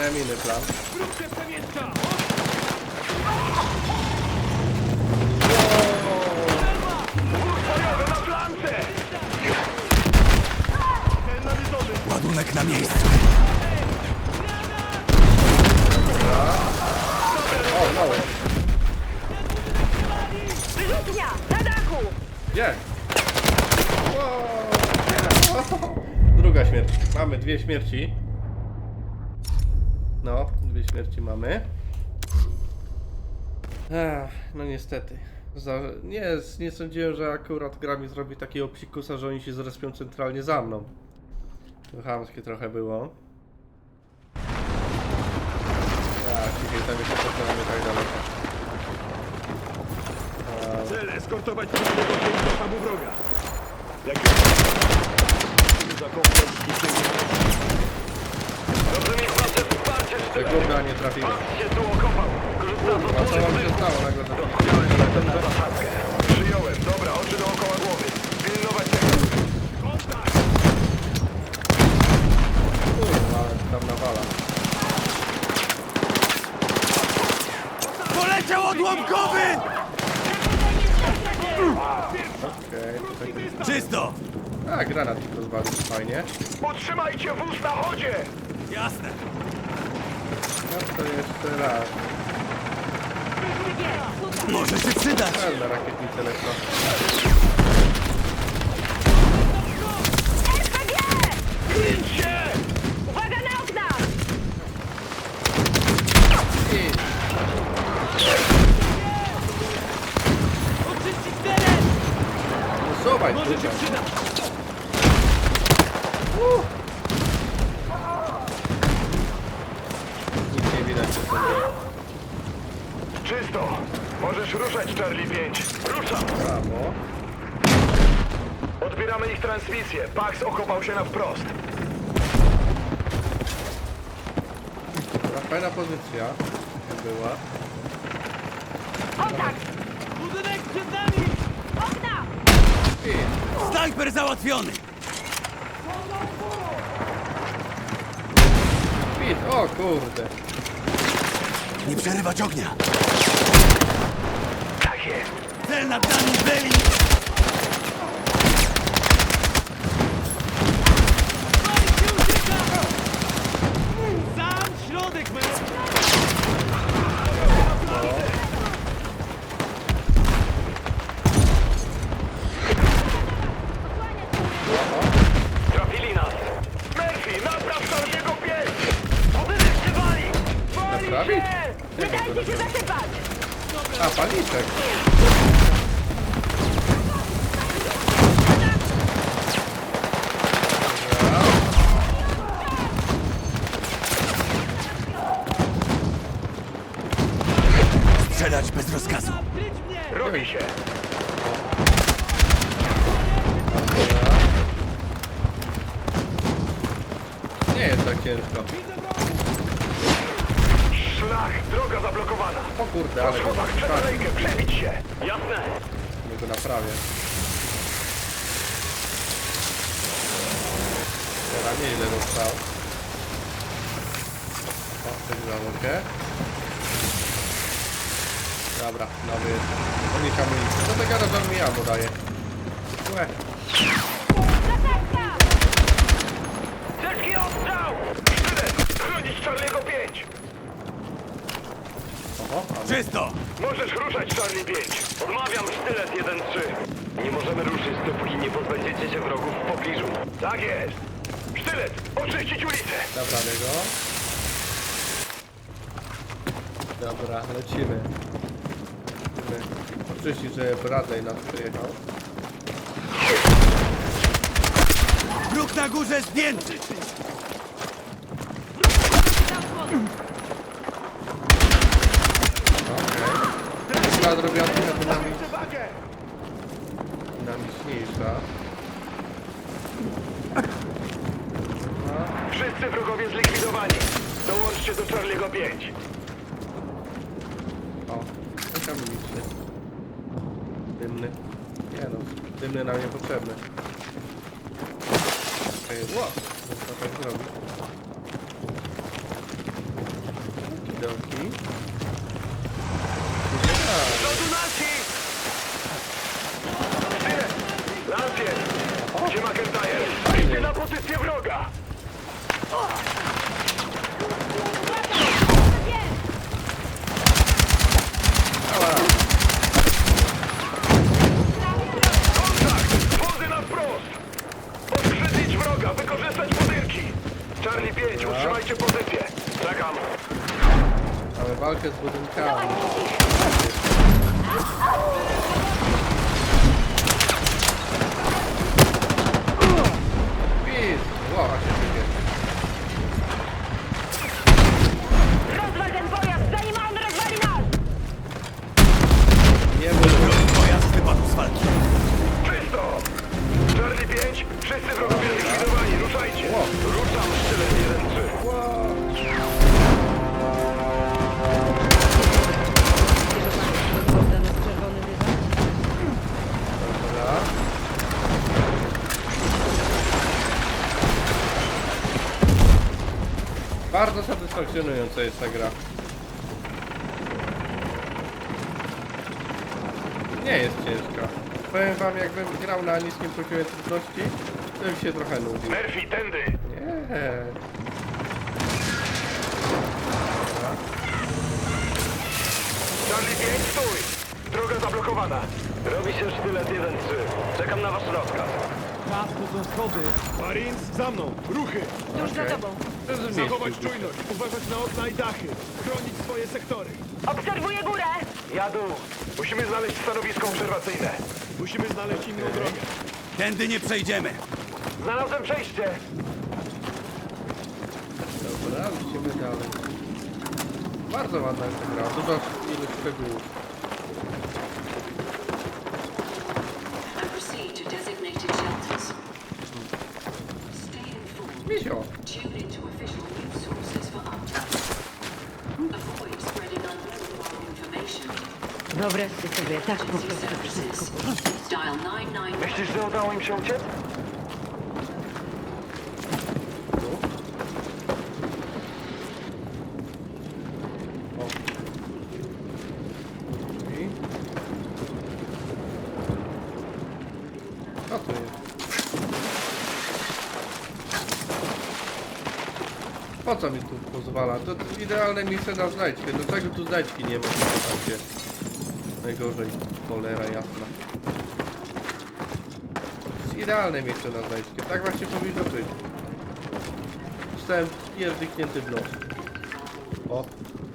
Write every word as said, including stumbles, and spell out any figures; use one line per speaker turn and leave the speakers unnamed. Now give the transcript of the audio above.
Miałem inny plan.
Ładunek na miejscu.
O, mało.
Wyrzutnia! Na dachu!
Gdzie? Wow. Druga śmierć. Mamy dwie śmierci. No, dwie śmierci mamy. Ech, no niestety. Za, nie, nie sądziłem, że akurat gra mi zrobi takiego psikusa, że oni się zrespią centralnie za mną. To chamskie trochę było. Ja, ciebie tam jeszcze pokonamy tak daleko.
Cel eskortować pierwszego do sztabu wroga. Jak za kompleks
Dobrze mi wasze wsparcie,
Te górne, a nie trafiłem.
się tu okopał. Korzystając
A co wam się stało nagle?
na zasadzkę. Przyjąłem. Dobra, oczy dookoła głowy. Pilnować tego.
Kurwa, ale tam nawala.
Poleciał odłamkowy!
Okej, to tak jest.
Czysto!
A, granat mi rozwalił, fajnie.
Utrzymajcie wóz na chodzie!
Jasne.
No to jeszcze raz.
Może się przydać.
Pełna rakietnica elektro.
er pe gie!
Kryć się!
Uwaga na okna!
I...
Oczyścić teren!
Usuwaj,
Może się
kurwa.
przydać!
Nic nie widać, co to jest.
Czysto! Możesz ruszać, Charlie pięć. Ruszam!
Brawo.
Odbieramy ich transmisję. Pax okopał się na wprost.
Dobra, fajna pozycja. Jak była.
Kontakt!
Budynek przed nami!
Okna!
I...
Snajper załatwiony!
Pit, o kurde.
Nie przerywać ognia!
Tak jest.
Cel nad nami byli!
Sam środek, my!
Trafili nas. Murphy, napraw Charlie'ego pięć! Budynek się wali! Wali
Naprawić?
się!
Nie dajcie się zasypać!
A, paliczek.
Strzelać bez rozkazu!
Kryć mnie!
Robi się.
Nie jest tak ciężko.
Szlach, droga zablokowana.
O kurde,
Po
ale go
schodach przed
tak,
alejkę, przebić się. Jasne.
nie go naprawię. Teraz nieźle dostał. O, coś załogę. Dobra, nowy jest. Unik amunicji. Co ty gadasz, że mi ammo daje? Łe.
Zasadzka!
Ciężki ostrzał! Sztylet, chronić Charlie'ego pięć.
Oho, ammo.
Czysto!
Możesz ruszać, Charlie pięć. Odmawiam, sztylet jeden trzy. Nie możemy ruszyć, dopóki nie pozbędziecie się wrogów w pobliżu. Tak jest. Sztylet, oczyścić ulicę.
Naprawię go. Dobra, lecimy. Lecimy. Oczyścić, że Bradley nas przyjechał.
Wróg na górze zdjęty!
Okej. Chyba zrobiona trochę dynamic... dynamiczniejsza.
Wszyscy wrogowie zlikwidowani. Dołączcie do Charlie'ego pięć.
O, tak amuniczny. Dymny. Nie no, dymny nam niepotrzebny. Okej, okay, wow, co tak zrobić?
Charlie pięć, utrzymajcie pozycję. Czekam.
Mamy walkę z budynkami. Pis! Głowa się wygie.
Rozwal ten pojazd, zanim on rozwali nas!
Nie było.
Pojazd wypadł z walki.
Czysto! Charlie pięć, wszyscy wrogowie zlikwidowani, ruszajcie! Ruszam, sztylet jeden trzy.
Dobra. Bardzo satysfakcjonująca jest ta gra. Nie jest ciężka. Powiem wam, jakbym grał na niskim poziomie trudności, to bym się trochę nudził.
Murphy, tędy!
Nie. Dobra.
Charlie pięć, stój! Droga zablokowana. Robi się sztylet jeden trzy. Czekam na wasz rozkaz.
Czas, to są schody. Marines, za mną. Ruchy.
Tuż za tobą.
Zrozumieliście.
Zachować czujność. Uważać na okna i dachy. Chronić swoje sektory.
Obserwuję górę!
Jadu! Musimy znaleźć stanowisko obserwacyjne.
Musimy znaleźć inną drogę.
Tędy nie przejdziemy.
Znalazłem przejście.
Dobra, lecimy dalej. Bardzo ładna jest ta gra, dużo ilość szczegółów.
And proceed to designated shelters. Stay informed.
Misio!
Tune into official news sources for updates. Avoid spreading unverified information.
Wyobraźcie sobie, tak po
Emergency
prostu
services.
wszystko.
Dial nine nine nine.
Myślisz, że udało im się uciec?
Tu. O. I. Co to jest? Po co mi tu pozwala? To idealne miejsce na znajdźkę. Dlaczego tu znajdźki nie ma? Tam najgorzej. Cholera jasna. To jest idealne miejsce na znajdźkę. Tak właśnie powinno być. Zostałem pierdyknięty w nos. O.